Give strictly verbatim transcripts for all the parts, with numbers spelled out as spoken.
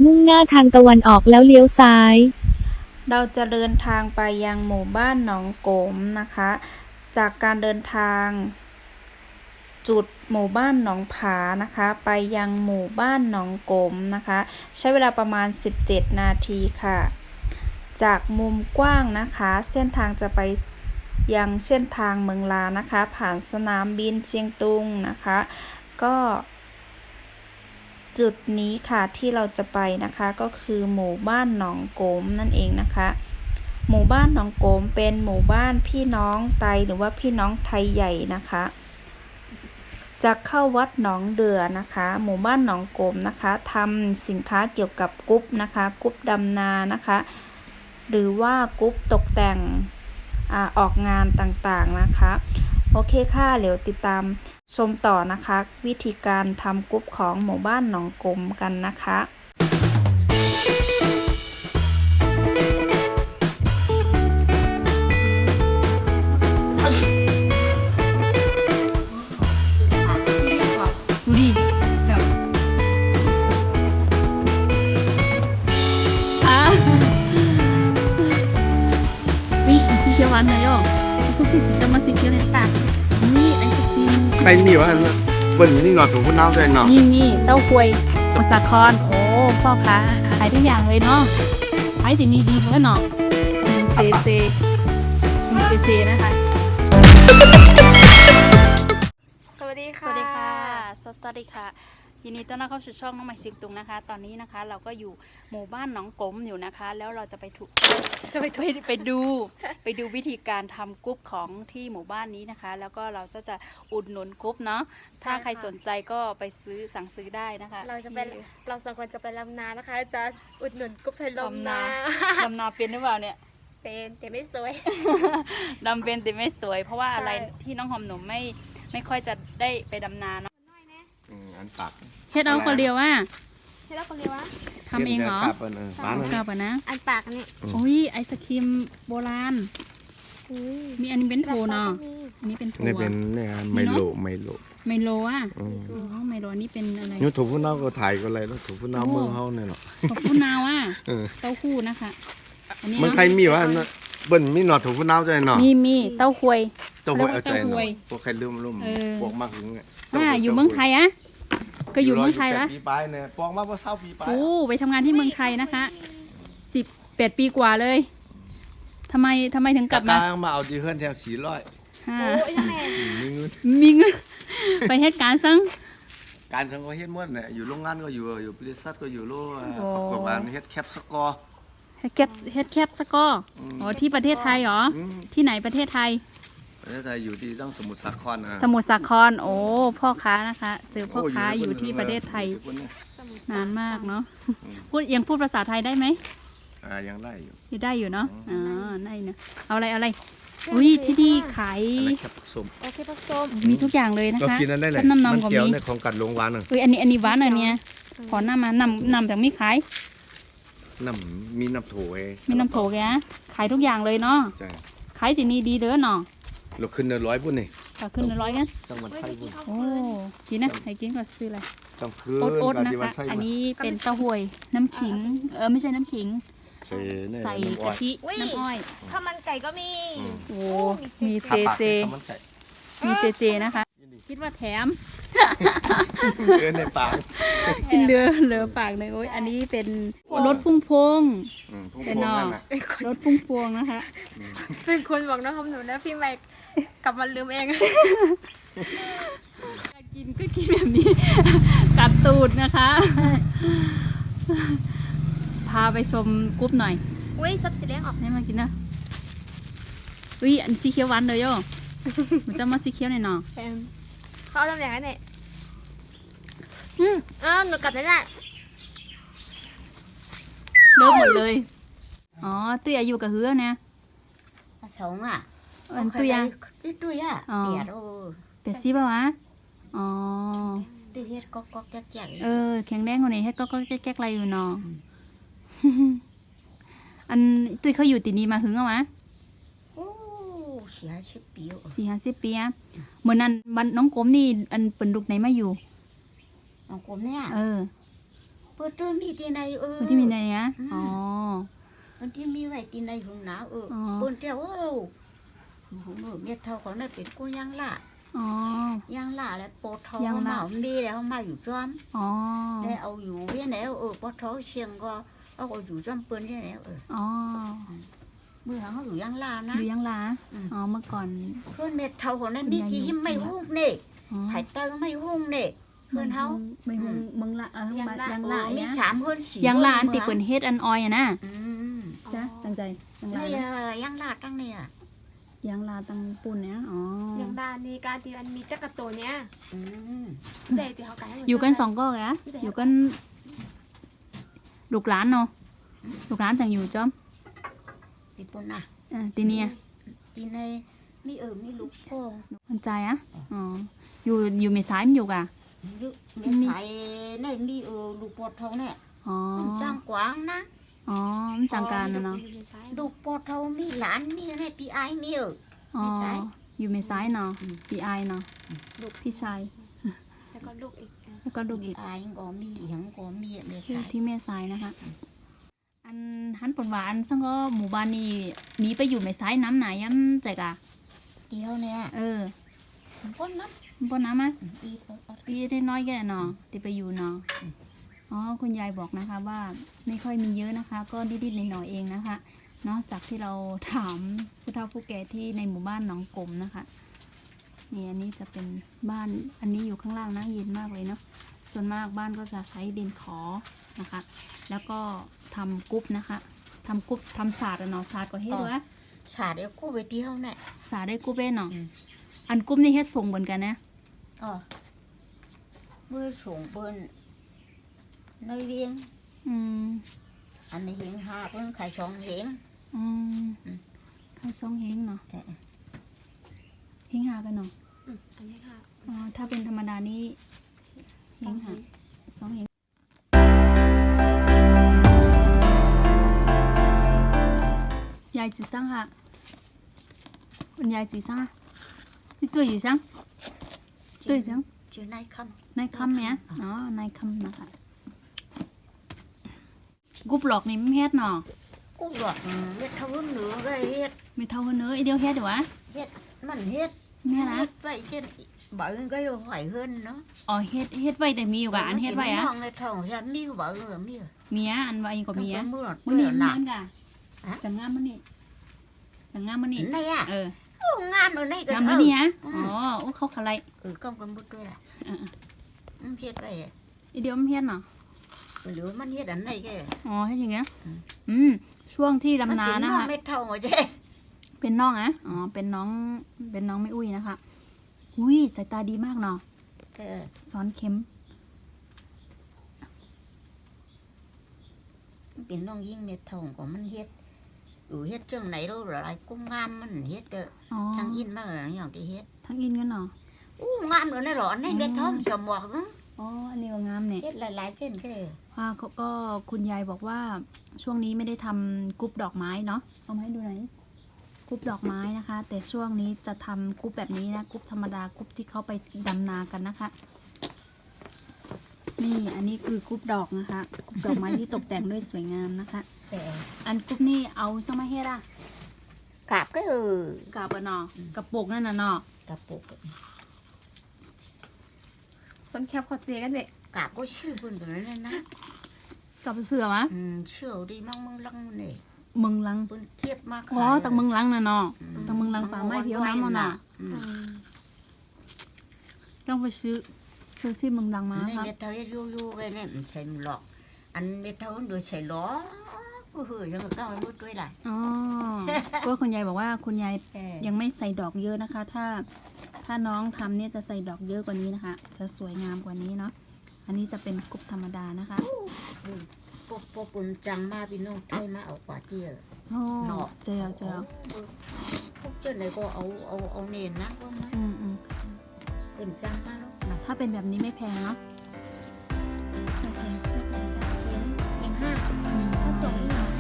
มุ่งหน้าทางตะวันออกแล้วเลี้ยวซ้ายเราจะเดินทางไปยังหมู่บ้านหนองโกมนะคะจากการเดินทางจุดหมู่บ้านหนองผานะคะไปยังหมู่บ้านหนองโกมนะคะใช้เวลาประมาณสิบเจ็ดนาทีค่ะจากมุมกว้างนะคะเส้นทางจะไปยังเส้นทางเมืองลานะคะผ่านสนามบินเชียงตุงนะคะก็จุดนี้ค่ะที่เราจะไปนะคะก็คือหมู่บ้านหนองโกมนั่นเองนะคะหมู่บ้านหนองโกมเป็นหมู่บ้านพี่น้องไตหรือว่าพี่น้องไทยใหญ่นะคะจะเข้าวัดหนองเดือนะคะหมู่บ้านหนองโกมนะคะทำสินค้าเกี่ยวกับกุ๊บนะคะกุ๊บดำนานะคะหรือว่ากุ๊บตกแต่งอ่าออกงานต่างๆนะคะโอเคค่ะเดี๋ยวติดตามชมต่อนะคะวิธีการทำกุ๊บของหมู่บ้านหนองโกมกันนะคะดูดิแบบอ่ะวิสีเขียวหวานหน่อยอ่ะทุกสิ่งจะมาสีเขียวในปากนี่ไอศครีมใครมีวะเปิ้ลนี่หนอดถุงพุ่นน้ำด้วยเนาะนี่นี่เต้าหวยมาสาครโอ้พ่อค้าขายทุกอย่างเลยเนาะขายสิ่งดีๆเพื่อเนาะเซเซเซเซนะคะสวัสดีสค่ะวัสดีค่ะสวัสดีค่ะยินดีต้อนรับเข้าสู่ช่องน้องใหม่เสียงตุงนะคะ ตอนนี้นะคะเราก็อยู่หมู่บ้านหนองกลมอยู่นะคะ แล้วเราจะไปถูกจะไปไปไปดูไปดูวิธีการทำกรุ๊ปของที่หมู่บ้านนี้นะคะ แล้วก็เราก็จะอุดหนุนกรุ๊ปเนาะถ้าใครสนใจก็ไปซื้อสั่งซื้อได้นะคะเราจะเป็นเราสองคนจะไปลำนานะคะ จะอุดหนุนกุ๊บเพลมนาดำนาเป็นหรือเปล่าเนี่ยเป็นแต่ไม่สวยดำเป็นแต่ไม่สวย เพราะว่าอะไรใช่ที่น้องหอมหนุ่มไม่ไม่ค่อยจะได้ไปดำนาเนาะอืมอันตักเฮ็ดเอาคนเดียวว่าให้เราคนเดียววะทำเองเหรอกลับเปิ้ลเออบ้านเอานั้นกลับอ่ะนะอันปากนี่โอ้ยไอศครีมโบราณอืมมีอันนี้เป็นโทเนาะอันนี้เป็นโทนี่เป็นเนี่ยไมโลไมโลไมโลอ่ะอืมอ๋อไมโลอันนี้เป็นอะไรนี่ถุงพุ่นน้ำก็ถ่ายก็อะไรแล้วถุงพุ่นน้ำเมืองเฮาเนี่ยเนาะขอบคุณนาวอ่ะเออเต้าหู้นะคะอันนี้มันเนาะใครมีวะเปิ้ลมีหนอดถุงพุ่นน้ำด้วยเนาะมีมีเต้าหวยเจ้าหวยเอาใจเต้าหเนาะวยพวกใครลืมลืมเออพวกมากถึงเนี่ยอ่าอยู่เมืองไทยอ่ะก็อยู่เมืองไทยละปีปลายเนี่ยปองมาว่าเศร้าปีปลายโอ้ไปทำงานที่เมืองไทยนะคะสิบแปดปีกว่าเลยทำไมทำไมถึงกกลัลับบ มามามาเอาจีเฮือนแถวสี่ร้อยฮ่าโอ้ยยังไงมีเงินมีเงิน ไปเหตุการณ์ซังการสังก็เฮ็ดหมดเนี่ยอยู่โรงงานก็อยู่อยู่บริษัทก็อยู่โลโอ้ประกอบการเฮ็ดแคปสกอร์เฮ็ดแคปเฮ็ดแคปสกอร์อืมอ๋อที่ประเทศไทยเหรออืมที่ไหนประเทศไทยประเทศไทยอยู่ที่ต้องสมุทรสาครนะสมุทรสาครโอ้พ่อค้านะคะ เจอพ่อค้าอยู่ที่ประเทศไทยนานมากเนาะพูดยังพูดภาษาไทยได้ไหมอ่ายังได้อยู่ยังได้อยู่เนาะอ๋อได้เนาะเอาอะไรเอาอะไรอุ้ยที่นี่ขายอันนั้นแคปส้มโอเคผสมมีทุกอย่างเลยนะก็คะกินนั้นได้เลยน้ำนมัมก็เกี่ยวมีในของกัดลงหวานน่ะอุ้ยอันนี้อันนี้หวานอันเนี้ยขอน้ำมานำนำจากมีขายน้ำมีน้ำโถเอมีน้ำโถแกขายทุกอย่างเลยเนาะใช่ขายที่นี่ดีเด้อเนาะเราขึ้นเดือนร้อยพุ่นนี่ก็ขึ้นละร้อยกันต้องวันไส้พุ่นโอ้กินนะให้กินก็ซื้ออะไรต้องขึ้นโอ๊ตโอ๊ตกันะที่วัคะนไส้อันพุ่นนี้เป็นเต้าหวยน้ำขิง เออไม่ใช่น้ำขิงใส่เนี่ยใส่น้ำอ้อกะยทิน้ำอ้อยข้าวมันไก่ก็มีอืมโอ้มีเจขาปากเจข้าวมันไก่มีเจเจนะคะ คิดว่าแถมเกินในปากกินเรือเรือปากเลยโอ้ยอันนี้เป็นรถพุ่งพวงอืมพุ่งเป็นพวงนอนั่นน่ะรถพุ่งพวงนะคะเป็นคนบอกน้องคำหนูแล้วพี่แม็กกลับมาลืมเองอยากกินก็กินแบบนี้ กัดตูดนะคะ พาไปชมกรุ๊ปหน่อยอุ้ยซับสีแดงออกให้มากินนะอุ้ยอันสีเขียวหวานเลยโย่ มันจะมาสีเขียวหน่อยเนาะแซมเขาเอาตำแหน่งนั้นเนี่ยอืมเออหนูกลับได้ละเลิกหมดเลย อ๋อตุ้ยอายุกับเฮือเนี่ย sống à อันตุ้ยอะ ít tuổi à Ờ. bẹt ô เป็ดซีป่าวะ อ๋อ đi hết cóc cóc chắc chắc เออ แข็งแรงกว่านี้ให้ก็ก็แก๊กๆอะไรอยู่เนาะ อันตุ้ยเขาอยู่ตีนี้มาหึงเอาวะ ô xí hai xí biểu สี่ห้าสิบปีอะเหมือนนั้นบันน้องกลมนี่อันเป็นลูกไหนมาอยู่ ông cốm nè เออ ô เปิดตัวมีที่ไหนเออมันที่มีในเนี้ยอืมอ๋อมันที่มีไว้ที่ไหนของหนาวเอออ๋อเปิ้นเจ้าโอ้ผมเออเมียเท่าของนั่นเป็นกูยังล่ะอ๋อยังล่ะแล้วโปทอยังมาล่ะมีแล้วมาอยู่จอมอ๋อแล้วเอาอยู่เวียนแล้วเออปทอเชียงก็เอาอยู่จอมเปิ้นที่ไหนเอออ๋อเมื่อเขาอยู่ยังล่ะอนะยู่ยังลาอืมอ๋อ เมื่อก่อนเพื่อนเมียเท่าของนั่นมีที่หิมไม่หุ้มนี่อ๋อไผ่เตอไม่หุ้มนี่เพื่อนเขาไม่หงเมืองละเออยังละยังเอละอมีเนี่ยสามเพื่อนสี่ยังละอันคติเปิ่นเฮ็ดอันออยอะนะอืมจ้ะตั้งใจยังละนี่นะเออยังล่ะตั้งเนี่ยยังลาตังปุ่นเนี่ยอ๋ออย่างดานนี่การที่มันมีจักรตัวเนี้ยอืมแต่ที่เขาไกให้มัอยู่กันสองก็แกะอยู่กันลูกหลานเนาะลูกหลานจังอยู่จอมที่ปุ่นน่ะเออตีเนี่ยที่ในมีเออมีลูกโป่งคนใจอะอ๋ออยู่อยู่เมษายมันอยู่กะลูกมีสายในมีเออลูกปอดเท่าเนี่ยอ๋อจ้างกวางนะอ๋อมันจังการนะเนาะลูกปอดเท่ามีหลานมีอะไรปีไอมีเอออ๋อเมษายอยู่เมษายเนาะอืมปีไอเนาะลูกพี่ชายแล้วก็ลูกอีกอ่ะแล้วก็ลูกอีกไอก็มีอีหยังก็มีเมอยู่ษายที่เมษายนะคะ อันหันปนหวาอันซึ่งก็หมู่บ้านนี้หนีไปอยู่เมษายน้ำไหนยันใจกะเดียวเนี่ยเออพ้นน้บนน้ำอ่ะำอีกเอาปีได้น้อยแก่เนาะที่ไปอยู่เนาะอ๋อคุณยายบอกนะคะว่าไม่ค่อยมีเยอะนะคะ ก็นิดๆหน่อยๆเองนะคะเนาะจากที่เราถามผู้เฒ่าผู้แก่ที่ในหมู่บ้านหนองกลมนะคะนี่อันนี้จะเป็นบ้านอันนี้อยู่ข้างล่างนะเย็นมากเลยเนาะส่วนมากบ้านก็จะใช้ดินขอนะคะ แล้วก็ทำกุ๊บนะคะทำกุ๊บทำศาสตร์อะเนาะศาสตร์ก็เฮ็ดวะสาดเดียวกูไปเดียวเนี่ยศาสตร์ได้กุ๊บเองเนาะอืมอันกุ๊บนี่เฮ็ดส่งเหมือนกันนะอ๋อเมื่อส่งเปิ้นในเวียงอืมอันนี้เฮงห้าเพิ่นขายสองเฮงอืมอืมใครส่งเฮงเนาะแต่เฮงหากันเนาะอืมอันนี้ค่ะอ๋อถ้าเป็นธรรมดานี่เฮงหาสองเฮงยายจีซังค่ะคุณยายจีซังนี่ตัวอยู่ซังตัวอยู่ซังชื่อนายคนายคำเนี่ยอ๋อนายคำนะคะกุบหลอกนี่ไม่เฮ็ดเนาะำกูบอกเฮ็ดเท่าเหนือก็เฮ็ดไม่เท่ากันเนื้อไอเดียวเฮ็ดดีวะเฮ็ดมันเฮ็ดแม่นะเฮ็ดไว้เช่นบ่เอิ้นก็อยู่ไหวเฮิรนเนาะอ๋อเฮ็ดเฮ็ดไว้แต่มีอยู่กะอันเฮ็ดไว้อะน้องในท้องจะมีบ่เอิ้นมีเมียอันไว้ก็มีอะมือหลอดมันนี่หเหนัมืกอนกะฮะจังงามมันนี่จังงามมันนี่ในอ่ะเออโอ้งานเอาในกันงามเอมันอนี่ฮะอือ๋มอโอ้เขาขะไรเออก็กันบ่ด้วยล่ะเอออืมเฮ็ดไว้อะๆไอเดียวมันเฮ็ดเนาะหรือมันเฮ็ดอันไหนแกอ๋อเฮ็ดอย่างเงี้ยอืมอืมช่วงที่ดำนามัเป็นะองคะเม็ดเท่าหัวเจ้เป็นน้องอะอ๋อเป็นน้องเป็นน้องไม่อุ้ยนะคะอุ้ยสายตาดีมากเนาะแกสอนเข็มมันเป็นน้องยิ่งเม็ดเท่าของมันเฮ็ดอยู่เฮ็ดจังไหนรู้หลายกูงามมันเฮ็ดเด้ออ๋อทางอินมาอย่างที่เฮ็ดทั้งอินกันเนาะอู้งามเลยในหลอนในเม็ดทองสมองอ๋ออันนี้ก็งามเนี่ยเฮ็ดหลายๆเส้นแกว่าก็ก็คุณยายบอกว่าช่วงนี้ไม่ได้ทำกรุ๊ปดอกไม้เนาะเอามาให้ดูหน่อยกรุ๊ปดอกไม้นะคะ แต่ช่วงนี้จะทำกรุ๊ปแบบนี้นะกรุ๊ปธรรมดากรุ๊ปที่เขาไปดำนากันนะคะ นี่อันนี้คือกรุ๊ปดอกนะคะกรุ๊ปดอกไม้ที่ตกแต่งด้วยสวยงามนะคะแต่อันกรุ๊ปนี่เอาสมาเฮ็ดอะกาบก็เออกาบอะเนาะกระปุกนั่นน่ะเนาะกาบปุกส่วนแคบคอเตียกันเด็กกาบก็ชื่อเพิ่นตัวนั้นนะกับเสือมะอืมเชี่ยวดีมั่งมึงลังนี่เมืองลังเพิ่นเทียบมากอ๋อตังเมืองลังน่ะเนาะตังเมืองลังป่าไม้เพียวน้ำมันน่ะอืมต้องไปซื้อซื้อที่เมืองลังมาในครับเม็ดเท่าเฮ็ดยู่ๆกันเนี่ยมันใช่หรอก อันเม็ดเท่ามันโดยใส่ล้อก็คือยังก็เอามืดด้วยล่ะอ๋อเพราะว่าคุณยายบอกว่าคุณยายเออยังไม่ใส่ดอกเยอะนะคะ ถ้าถ้าน้องทำเนี่ยจะใส่ดอกเยอะกว่านี้นะคะ จะสวยงามกว่านี้เนาะอันนี้จะเป็นกรุ๊ปธรรมดานะคะพวกพวกปุ่นจังมาพี่น้องไทยมาเอากว่าเตี้ยโอ้เนาะเจอเจอพวกเจ้าไหนก็เอาเอาเอาเนนนะว่ามาอืมอืมเกินจังมาแล้วเนาะถ้าเป็นแบบนี้ไม่แพงเนาะไม่แพงไม่แพงใช่ไหมเองห้าอืมผสมอีกห้า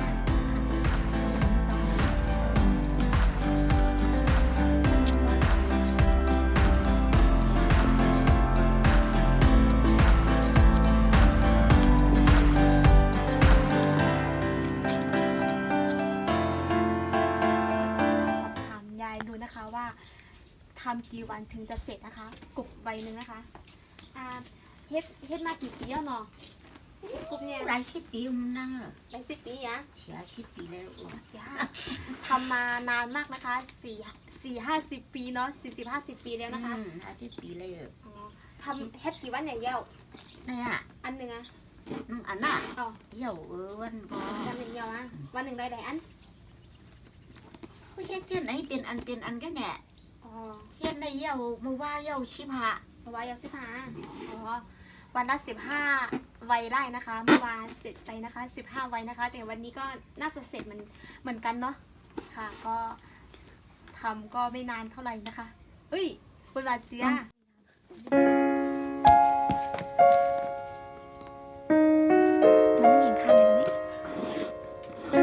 ทำกี่วันถึงจะเสร็จนะคะกบใบหนึ่งนะคะอ่าเฮ็ดเฮ็ดมากี่ปีแล้วเนาะกบเนี่ยหลายสิบปีมันนั่งเหรอหลายสิบปีอะเสียสิบปีแล้วเสียทำมานานมากนะคะสี่สี่ห้าสิบปีเนาะสี่สิบห้าสิบปีแล้วนะคะอืมห้าสิบปีแล้วอ๋อทำเฮ็ดกี่วันอย่างเดียวเนี่ยอันหนึ่งอะอืมอันน่ะอ๋อเหี่ยวเออวันก็ทำอย่างเดียวอะวันหนึ่งได้หลายอันเฮ้ยเจ้าไหนเป็นอันเป็นอันกันแน่อ๋อเฮ็ดในเหี่ยวมือว่าเหี่ยวชิบหะเอาไว้เอาสิบห้าอ๋อวันละสิบห้าไว้ได้นะคะเมื่อวานเสร็จไปนะคะสิบห้าไว้นะคะแต่วันนี้ก็น่าจะเสร็จมันเหมือนกันเนาะค่ะก็ทำก็ไม่นานเท่าไหร่นะคะเฮ้ยคุณบาเจีย มันไม่มีข้างเลยตอนนี้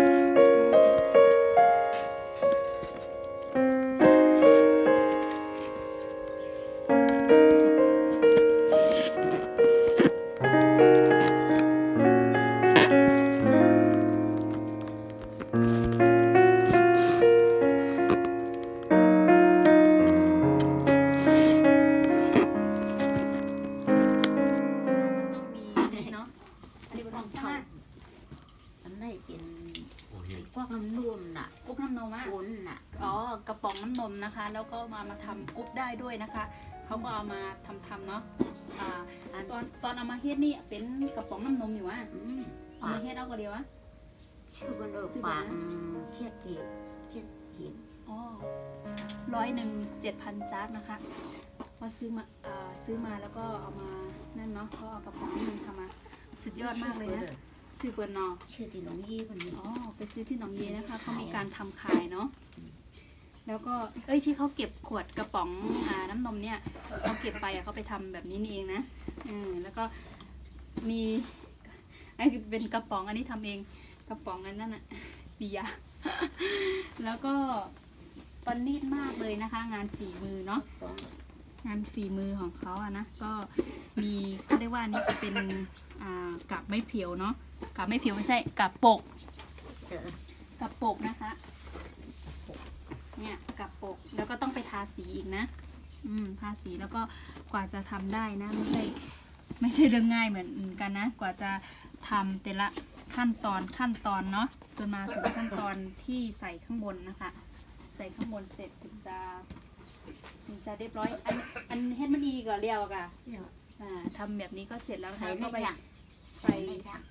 ต้องมีเนาะอันนี้เป็นของเท่าชาอันไหนเป็นพวกน้ำนวมน่ะกุ๊บน้ำนมอ่ะปุ้นน่ะอ๋อกระป๋องน้ำนมนะคะ แล้วก็มามาทำกุ๊บได้ด้วยนะคะเขาก็เอามาทำทำเนาะอ่าอันตอนตอนเอามาเฮ็ดนี่เป็นกระป๋องน้ำนมอยู่อ่ะอืมเอามาเฮ็ดเอาก็เดียวอ่ะชื่อมันเออปากเทียดเพจเทียดเพจอ๋อร้อยหนึ่งเจ็ดพันจาร์ดนะคะพอซื้อมาอ่าซื้อมาแล้วก็เอามานั่นเนาะเขาเอากระป๋องนี้ทำมาสุดยอดมากเลยนะซื้อเปิดนอชื่อที่น้องยี่คนนี้อ๋อไปซื้อที่หนองเยนะคะเขามีการทำขายเนาะแล้วก็เอ้ยที่เขาเก็บขวดกระป๋องอ่าน้ำนมเนี่ยเขาเก็บไปอ่ะเขาไปทำแบบนี้นี่เองนะอืมแล้วก็มีไอ้เป็นกระป๋องอันนี้ทำเองกระป๋องอันนั้นอะเบียร์ แล้วก็ประณีตมากเลยนะคะ งานฝีมือเนาะงานฝีมือของเขาอะนะก็มีเขาเรียกว่านี่จะเป็นอ่ากับไม้เผียวเนาะกับไม้เผียวไม่ใช่กับปกเออกับปกนะคะเนี่ยกับปกแล้วก็ต้องไปทาสีอีกนะอืมทาสีแล้วก็กว่าจะทำได้นะไม่ใช่ไม่ใช่เรื่องง่ายเหมือนกันนะกว่าจะทำแต่ละขั้นตอนขั้นตอนเนาะจนมาถึงขั้นตอนที่ใส่ข้างบนนะคะ ใส่ข้างบนเสร็จถึงจะถึงจะเรียบร้อยอันอันเฮ็ดมันดีก่อนเรียวกะเดี๋ยวอ่าทำแบบนี้ก็เสร็จแล้วใส่นะในก็ไปแท่งใส่ใส่ในแท่ง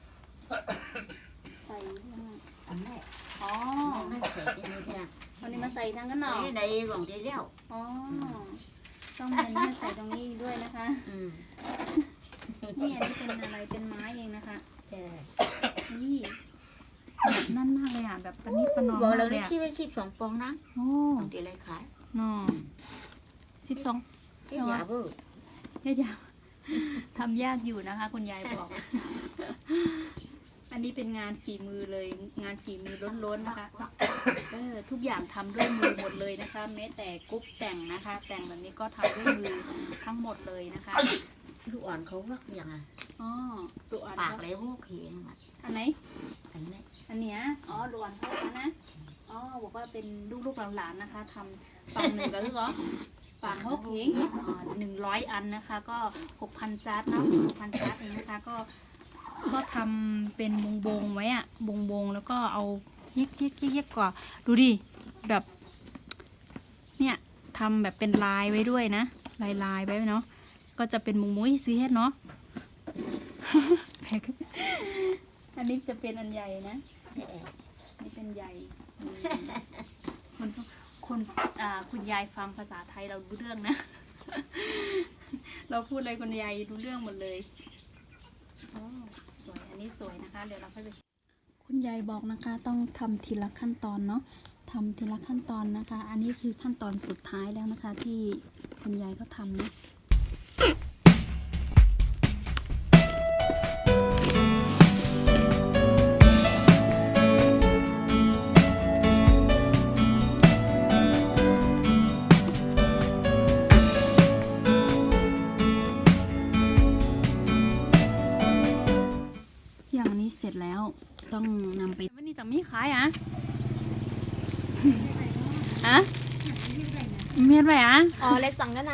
ใส่อันไหนอ๋อไม่ใส่ในแท่งวันนี้มาใส่ทั้งกันหน่อในของที่เลี้ยวอ๋อ ต้องเป็นเนี่ยใส่ตรงนี้ด้วยนะคะอืมนี่อันนี้เป็นอะไร เป็นไม้เองนะคะเจอนี่แบบนั่นมากเลยอ่ะ แบบประณีตประนอมบอกมาเรากเลได้ยอ่ะชีวิตชีพสองปองนะโอ้ของที่ไรขายนอสิบสองที่ยาเบอร์ยากยากทำยากอยู่นะคะ คุณยายบอก อันนี้เป็นงานฝีมือเลย งานฝีมือล้นๆนะคะ เออ ทุกอย่างทำด้วยมือหมดเลยนะคะ แม้แต่กรุ๊ปแต่งนะคะ แต่งแบบนี้ก็ทำด้วยมือทั้งหมดเลยนะคะลูกอ่อนเขาวักอย่างไงอ๋อตัวอันปากก็ไรโวกเพลงอ่ะอันไหนอันนี้อันเนี้ย อ๋อดวนเขาแล้วนะ อ๋อ บอกว่าเป็นลูกๆหลานๆนะคะทำปังหนึ่งก็คือเหรอปังหกเองอ๋อหนึ่งร้อยอันนะคะ ก็หกพันจาร์ดเนาะหกพันจาร์ดเองนะคะ ก็ ก็ทำเป็นวงวงๆไว้อะวงวงๆแล้วก็เอาเย็กเย็กเย็กเย็กก่อนดูดิ แบบ เนี่ยทำแบบเป็นลายไว้ด้วยนะ ลายลายๆไว้เนาะ ก็จะเป็นมุงมุ้ยซื้อเฮ็ดเนาะ แพ็คอันนี้จะเป็นอันใหญ่นะ นี่เป็นใหญ่อืมคนคนอ่าคุณยายฟังภาษาไทยเรารู้เรื่องนะ เราพูดอะไรคุณยายรู้เรื่องหมดเลยโอ้สวย อันนี้สวยนะคะ เดี๋ยวเราค่อยไปคุณยายบอกนะคะ ต้องทำทีละขั้นตอนเนาะทำทีละขั้นตอนนะคะ อันนี้คือขั้นตอนสุดท้ายแล้วนะคะ ที่คุณยายก็ทำเนาะ อย่างนี้เสร็จแล้วต้องนำไปวันนี้จะมีขายอ่ะ อะเมียนไปอ่ะอ๋อเลยสั่งแล้วนะ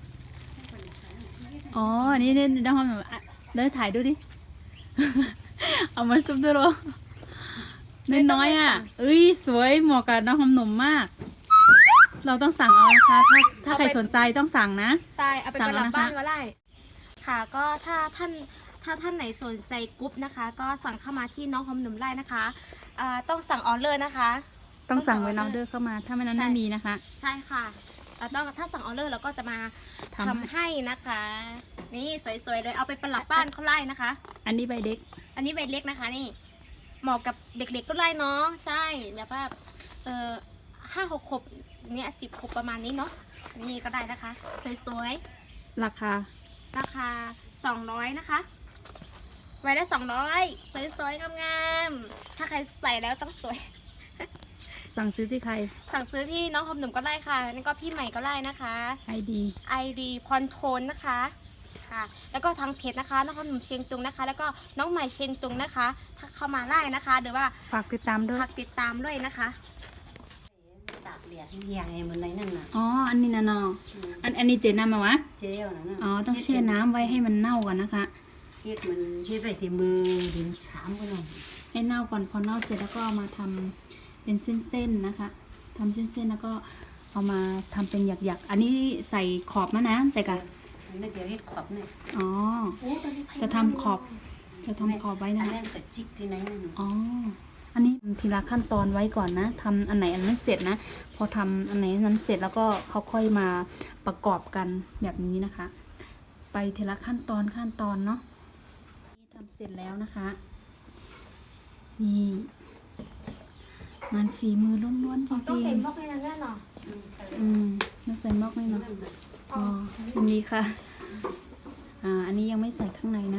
อ๋ออันนี้เนี่ยน้องหอมหนุ่มอ่ะเดินถ่ายดูดิ เอามาซุปด้วยหรอน้อยๆอ่ะเอ้ยสวยเหมาะกับน้องหอมหนุ่มมาก เราต้องสั่งเอานะคะ ถ้าถ้าใครสนใจต้องสั่งนะใช่เอาไปสั่ปงระแล้วดับนะคะบ้านก็ได้ ค่ะก็ถ้าท่านถ้าท่านไหนสนใจกรุ๊ปนะคะ ก็สั่งเข้ามาที่น้องหอมหนุ่มไร่นะคะเอ่อต้องสั่งออเดอร์นะคะต้องสั่งไว้น้องเดอร์เข้ามา ถ้าไม่นั้นไม่มีนะคะใช่ค่ะเราต้องถ้าสั่งออเดอร์เราก็จะมาทำทำให้นะคะ นี่สวยๆเลยเอาไปประดับบ้านเขาไล่นะคะอันนี้ใบเด็กอันนี้ใบเล็กนะคะนี่เหมาะกับเด็กๆก็ไล่เนาะใช่แบบว่าเออห้าหกขวบเนี่ยสิบขวบประมาณนี้เนาะนี่ก็ได้นะคะสวยๆราคาราคาสองร้อยนะคะ ไว้ได้สองร้อยสวยๆงามๆถ้าใครใส่แล้วต้องสวยสั่งซื้อที่ใครสั่งซื้อที่น้องหอมหนุ่มก็ได้ค่ะนี่ก็พี่ใหม่ก็ได้นะคะไอดีไอดีพรโทนนะคะค่ะ แล้วก็ทางเพจนะคะน้องหอมหนุ่มเชียงตุงนะคะ แล้วก็น้องใหม่เชียงตุงนะคะ ถ้าเข้ามาได้นะคะหรือว่าฝากติดตามด้วยพักติดตามด้วยนะคะตากแดดเรียงไอ้มันในนั่นน่ะอ๋อ อันนี้นะนออันอันนี้เจน้ำมาวะเจลนั่นน่ะอ๋อ ต้องแช่น้ำไว้ให้มันเน่าก่อนนะคะเฮ็ดมันเฮ็ดไว้ที่มือดินสามก็หน่อยให้เน่าก่อน พอเน่าเสร็จแล้วก็เอามาทำเป็นเส้นๆนะคะทำเส้นๆแล้วก็เอามาทำเป็นหยักๆ อันนี้ใส่ขอบมะนะใส่กันอันนี้เดี๋ยวเฮ็ดขอบเนี่ยอ๋อ จะทำขอบ จะทำขอบไว้อันะนคะนั้นใส่จิกที่ไหนนั่นน่ะอ๋อ อันนี้ทีละขั้นตอนไว้ก่อนนะทำอันไหนอันนั้นเสร็จนะ พอทำอันไหนอันนั้นเสร็จแล้วก็เขาค่อยมาประกอบกันแบบนี้นะคะ ไปทีละขั้นตอนขั้นตอนเนาะนี่ทำเสร็จแล้วนะคะ นี่งานฝีมือล้วนๆจต้องริใส่งบล็อกในนั้นแน่นอนๆอืมน่าใส่มอกเลยเนาะอ๋ออันนี้ค่ะ อ่า อันนี้ยังไม่ใส่ข้างในนะ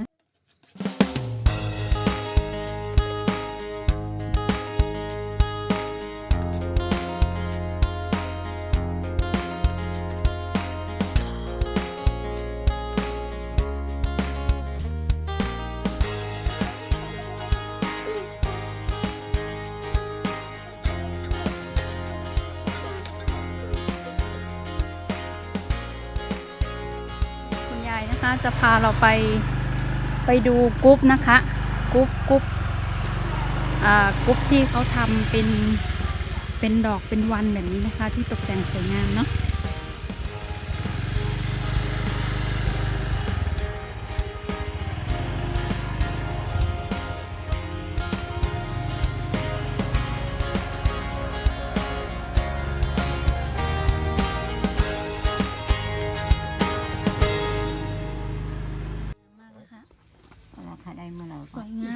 คุณยายนะคะจะพาเราไปไปดูกรุ๊ปนะคะกรุ๊ปกรุ๊ปอ่ากรุ๊ปที่เขาทำเป็นเป็นดอกเป็นวันแบบนี้นะคะ ที่ตกแต่งสวยงามเนาะมากนะคะราคาได้เมื่อเราสวยงาม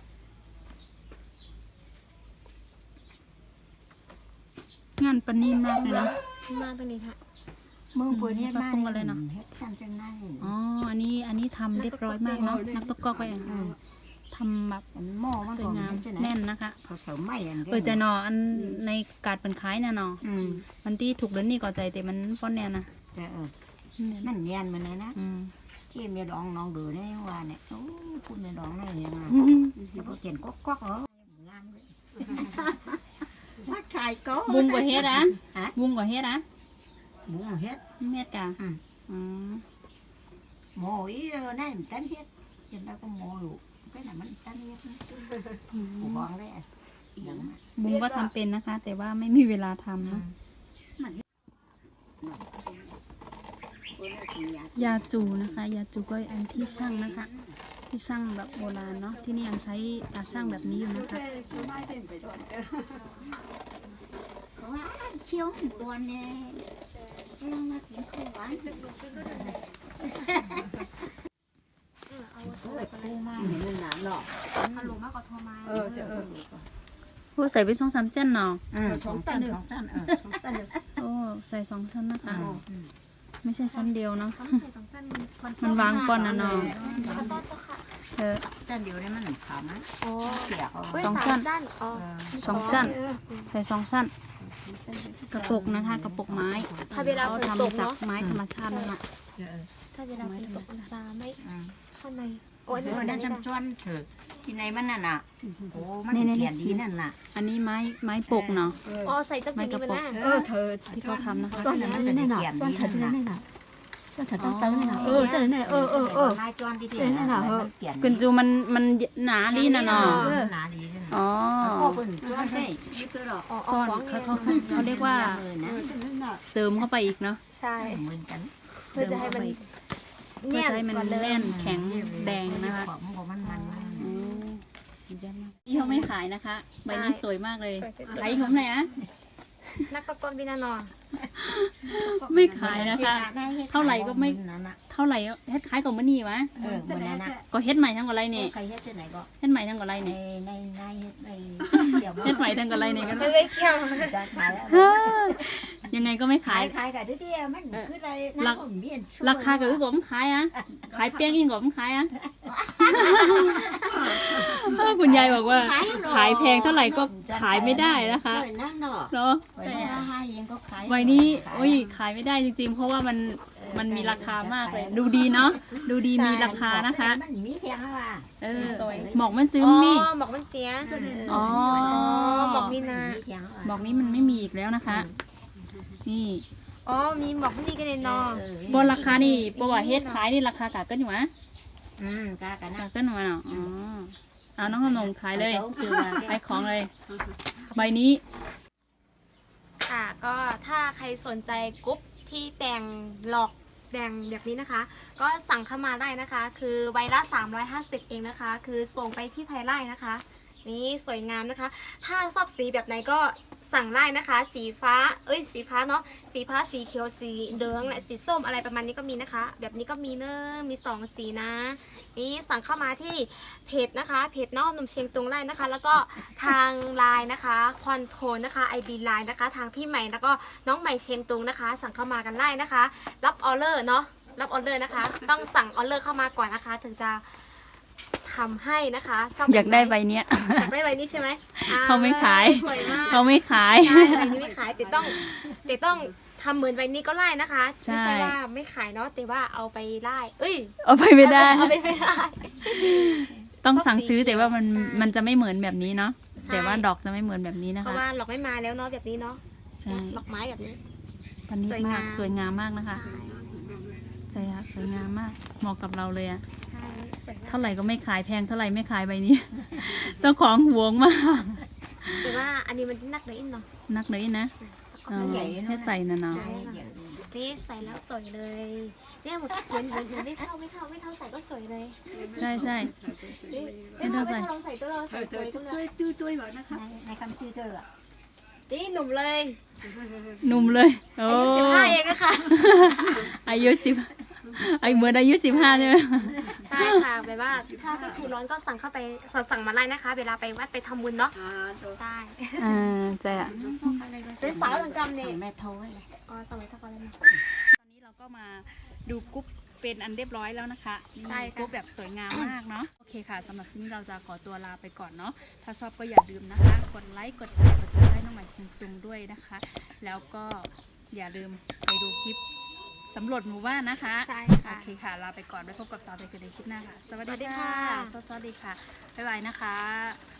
งานประณีตมากเลยเนาะมาตรงนี้ค่ะเมื่อเปิดเฮ็ดมาปรุงมาเลยเนาะเฮ็ดทำจังไงอ๋อ อันนี้อันนี้ทำเรียบร้อยมากเนาะนักตะกอกไปอ่ะทำแบบอันหม้อมันสวยก่อนงามเฮ็ดจังไหนแน่นนะคะเขาเสาไม้อันเออใจนออันในการเป็นคล้ายน่ะเนาะอืมมันที่ถูกเดินนี่ก่อใจแต่มันฟ้อนแนวนะจะเออมันเนียนมันเลยนะอืมที่เมียดองน้องดูเนี่ยว่าเนี่ยโอ้พูดเมียดองได้ยังไงอืมที่พวกเขียนก๊อกก๊อกเหรองามเลยวัดขายก็บุ้งกว่าเฮ็ดอ่ะฮะบุ้งกว่าเฮ็ดอ่ะหมูเฮ็ดเฮ็ดกะอืมอืมหมูอีเออนั่นมันตันเฮ็ดเห็นแล้วก็หมูอยู่cái nàyมันตันเฮ็ดนะหมูบองเลยอีหยังอะบุ้งก็ทำเป็นนะคะ แต่ว่าไม่มีเวลาทำเนาะมันเฮ็ดยาจูนะคะ ยาจูก็อันที่ช่างนะคะ ที่ช่างแบบโบราณเนาะที่นี่ยังใช้ตาช่างแบบนี้อยู่นะคะเขาว่าเคี้ยวหมูดวนเนี่ยลองมากินข้าวหวานโอ้ยปูมาเห็นมันหนามหรอกฮัลโหลมากกว่าโทรมาเออจะเออโอ้ใส่ไปสองสามเจ้นเนาะอืมสองชั้นสองชั้นเออสองชั้นโอ้ใส่สองชั้นนะคะอืมไม่ใช่ชั้นเดียวเนาะต้องใส่สองสั้นมันมันวางก่อนนะเนาะขอโทษเจ้าค่ะเออชั้นเดียวนี่มันขาวนะโอ้เปียกเอาเว้ยสองสาสั้มนสั้นอ๋อสองชั้นใส่สองชั้นกระปุกนะคะ กระปุกไม้ถ้าเวลาเขาฝนตกทำจากเนาะไม้ธรรมชาตินั่นแหละถ้าเวลาฝนตกมันจะไม่อืมเข้าในโอ้ยเออนั่นจำจวนเถอะที่ไหนมันน่ะน่ะโอ้มันนี่ๆๆเขียนดีนั่นน่ะอันนี้ไม้ไม้ปกเนาะอ๋อใส่ตะไม้กี้กนี่ระมันปกน่ะเออเธอที่เขาทำนะคะจอนนั้นมันจะเขียนดีนั่นน่ะ cho chả tao tới này nào ơ tới này ơ ơ ơ ไม้จอนที่ที่เออนั่นน่ะมันเขียนกุนจูมันมันหนาดีนะเนาะหนาดีนั่นอ๋อพ่อเพิ่นจอนได้นี่คือหรอซ่อนเขาเขาเขาเขาเรียกว่านะเสริมเข้าไปอีกเนาะใช่เหมือนกันเพื่อจะให้มันเพื่อจะให้มันแน่นแข็งแดงนะคะของมันมันมันอืมสีแดงมากนี่เขาไม่ขายนะคะใบนี้สวยมากเลยสวยที่สุดขายผมไหนอยอะนักตะกอนบินานอนไม่ขายนะคะ เท่าไหร่ก็ไม่ เท่าไหร่เฮ็ดขายกับมันนี่วะเออมันนั่นน่ะก็เฮ็ดใหม่ทั้งกับไรนี่ใครเฮ็ดที่ไหนก็เฮ็ดใหม่ทั้งกับไรในนี่ในในในเดี๋ยวเฮ็ดใหม่ทั้งกับไรนี่กันไม่ไม่เกี่ยวจะขายยังไงก็ไม่ขาขาย ยขายกับที่เดียวมันคืออะไรน้ำผมเมียนราคาก็คือผมขายอ่ะ ขายเปี้ยงยิ่งกว่าผมขายอ่ะ คุณยายบอกว่า ขายแพงเท่าไหร่ก็ขายไม่ได้นะคะนั่นเนาะเนาะใช่ให้เองก็ขายใบนี้โอ้ยขายไม่ได้จริงๆ เพราะว่ามันมันมีราคามากเลย ดูดีเนาะดูดีมีราคานะคะมันมีแพงอ่ะเออหมอกมันจึ้อ๋มอนี่บอกมันเจียอ๋อบอกมีนาหมอกนี้มันไม่มีอีกแล้วนะคะ นี่อ๋อมีบอกมันนี่กันเลยเนาะบนราคานี่ปว่าเฮ็ดขายนี่ราคากาเกินอยู่มะอืมกากันกานะเกินอยู่มะเนาะอ๋อเอาน้องขนมขายเลยขายของเลย ใบนี้ค่ะก็ถ้าใครสนใจกรุ๊ปที่แต่งหลอกแต่งแบบนี้นะคะ ก็สั่งเข้ามาได้นะคะ คือใบละสามร้อยห้าสิบเองนะคะ คือส่งไปที่ไทยไร่นะคะ นี่สวยงามนะคะ ถ้าชอบสีแบบไหนก็สั่งได้นะคะ สีฟ้าเอ้ยสีฟ้าเนาะสีฟ้าสีเขียวสีเหลืองและสีส้มอะไรประมาณนี้ก็มีนะคะ แบบนี้ก็มีเนอะมีสองสีนะ นี่สั่งเข้ามาที่เพจนะคะเพจน้องหนุ่มเชียงตุงไร่นะคะ แล้วก็ทางไลน์นะคะคอนโทรนะคะ ไอ ดี ไลน์นะคะ ทางพี่ใหม่แล้วก็น้องใหม่เชียงตุงนะคะ สั่งเข้ามากันได้นะคะ รับออเดอร์เนาะรับออเดอร์นะคะ ต้องสั่งออเดอร์เข้ามาก่อนนะคะ ถึงจะทำให้นะคะชอบอยากได้ใบเนี้ยอยากได้ใบนี้ใช่ไหมอ่เขาไม่ขายสวยมากเขาไม่ขายใช่ใบนี้ไม่ขายแต่ต้องแต่ต้องทำเหมือนใบนี้ก็ไล่นะคะใช่ไม่ใช่ว่าไม่ขายเนาะแต่ว่าเอาไปไล่เอ้ยเอาไปไม่ได้เอาไปไม่ได้ต้องสั่งซื้อแต่ว่ามันใช่มันจะไม่เหมือนแบบนี้เนาะใช่แต่ว่าดอกจะไม่เหมือนแบบนี้นะเพราะคะว่าหลอกไม่มาแล้วเนาะแบบนี้เนาะใช่หลอกไม้แบบนี้พันนี้สวยงามมากสวยงามมากนะคะใช่ใช่ค่ะสวยงามมากเหมาะกับเราเลยอะใช่สวยมากเท่าไหร่ก็ไม่ขายแพงเท่าไหร่ไม่ขายใบนี้ เจ้าของหวงมากแต่ว่าอันนี้มันนักเลยอินเนาะนักเลยนะเออให้ใส่นะเนาะนี่ใส่แล้วสวยเลยเนี่ยเหมือนเหมือนเหมือนเหมือนไม่เท่าไม่เท่าไม่เท่าใส่ก็สวยเลยใช่ใช่นี่ไม่เท่าไม่เท่าลองใส่ตัวเราใส่สวยตัวเลยในคำชื่อเธอนี่หนุ่มเลยหนุ่มเลยโอ้อายุสิบห้าเองนะคะอายุสิบไอเหมือนอายุสิบห้าใช่ไหมใช่ค่ะแบบว่าถ้าก็คือร้อนก็สั่งเข้าไปสั่งมาไล่นะคะ เวลาไปวัดไปทำบุญเนาะใช่อ่าใช่อะเป็นสาวเหมือนกันเนี่ยแม่โทรไว้เลยอ๋อสมัยตะกอนเลยนะตอนนี้เราก็มาดูกรุ๊ปเป็นอันเรียบร้อยแล้วนะคะใช่ค่ะกรุ๊ปแบบสวยงามมากเนาะโอเคค่ะสำหรับที่นี้เราจะขอตัวลาไปก่อนเนาะถ้าชอบก็อย่าลืมนะคะกดไลค์กดแชร์กดซับสไครต์น้องใหม่เชียงตุงด้วยนะคะ แล้วก็อย่าลืมไปดูคลิปสำรวจหมู่บ้านนะคะใช่โอค่ะเคค่ะลาไปก่อนไว้พบกับสาวไทยคือในคลิปหน้าค่ะ สวัสสวัสดีดีค่ะค่ะสวัสดีค่ะบ๊ายบายนะคะ